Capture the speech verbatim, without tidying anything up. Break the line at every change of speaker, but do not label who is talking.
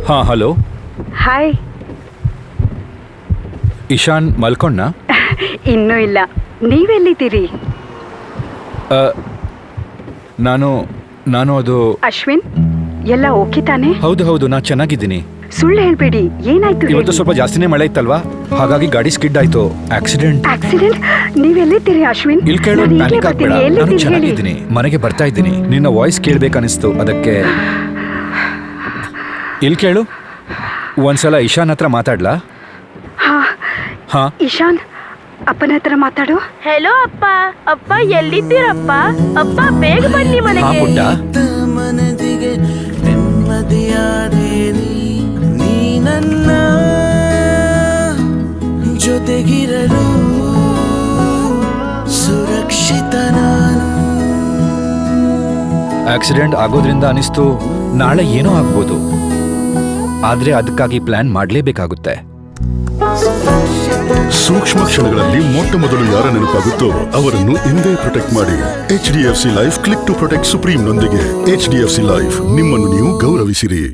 ಹಾಂ hello.
Hi.
Ishan ಮಲ್ಕೊಂಡ?
ಇನ್ನೂ ಇಲ್ಲ. ನೀವೆಲ್ಲಿದ್ದೀರಿ?
ನಾನು ನಾನು ಅದು
ಅಶ್ವಿನ್, ಎಲ್ಲ ಓಕೆ ತಾನೆ?
ಹೌದು ಹೌದು, ನಾನು ಚೆನ್ನಾಗಿದ್ದೀನಿ.
ಸುಳ್ಳು ಹೇಳ್ಬೇಡಿ, ಏನಾಯ್ತು?
ಇವತ್ತು ಸ್ವಲ್ಪ ಜಾಸ್ತಿನೇ ಮಳೆ ಇತ್ತಲ್ವಾ, ಹಾಗಾಗಿ ಗಾಡಿ ಸ್ಕಿಡ್ ಆಯ್ತು. ಆಕ್ಸಿಡೆಂಟ್.
ಆಕ್ಸಿಡೆಂಟ್? ನೀವೆಲ್ಲಿದ್ದೀರಿ ಅಶ್ವಿನ್?
ಇಲ್ಲಿ ಕೇಳು, ಪ್ಯಾನಿಕ್ ಆಗ್ಬೇಡ, ನಾನು ಚೆನ್ನಾಗಿದ್ದೀನಿ, ಮನೆಗೆ ಬರ್ತಾ ಇದ್ದೀನಿ. ನಿನ್ನ ವಾಯ್ಸ್ ಕೇಳ್ಬೇಕನ್ನಿಸ್ತು, ಅದಕ್ಕೆ. ಇಲ್ಲಿ ಕೇಳು, ಒಂದ್ಸಲ ಇಶಾನ್ ಹತ್ರ ಮಾತಾಡ್ಲಾ?
ಹಾ
ಹಾ
ಇಶಾನ್, ಅಪ್ಪನ ಹತ್ರ ಮಾತಾಡು.
ಹೆಲೋ ಅಪ್ಪ. ಅಪ್ಪ ಎಲ್ಲಿದ್ದೀರಪ್ಪ? ಅಪ್ಪ ಬೇಗ ಬನ್ನಿ
ಹಾ
ಮನೆಗೆ.
ಪುಟ್ಟ.
ಮನದಿಗೆ ನೆಮ್ಮದಿಯಾದೆ ನೀ ನನ್ನ ಜೊತೆಗಿರಲು ಸುರಕ್ಷಿತ ನಾನು.
ಆಕ್ಸಿಡೆಂಟ್ ಆಗೋದ್ರಿಂದ ಅನಿಸ್ತು ನಾಳೆ ಏನೋ ಆಗ್ಬೋದು, ಆದ್ರೆ ಅದಕ್ಕಾಗಿ ಪ್ಲಾನ್ ಮಾಡಲೇಬೇಕಾಗುತ್ತೆ.
ಸೂಕ್ಷ್ಮ ಕ್ಷಣಗಳಲ್ಲಿ ಮೊಟ್ಟ ಮೊದಲು ಯಾರ ನೆನಪಾಗುತ್ತೋ ಅವರನ್ನು ಇಂದೇ ಪ್ರೊಟೆಕ್ಟ್ ಮಾಡಿ. H D F C life click to protect supreme ನೊಂದಿಗೆ. H D F C life, ನಿಮ್ಮನ್ನು ನೀವು ಗೌರವಿಸಿರಿ.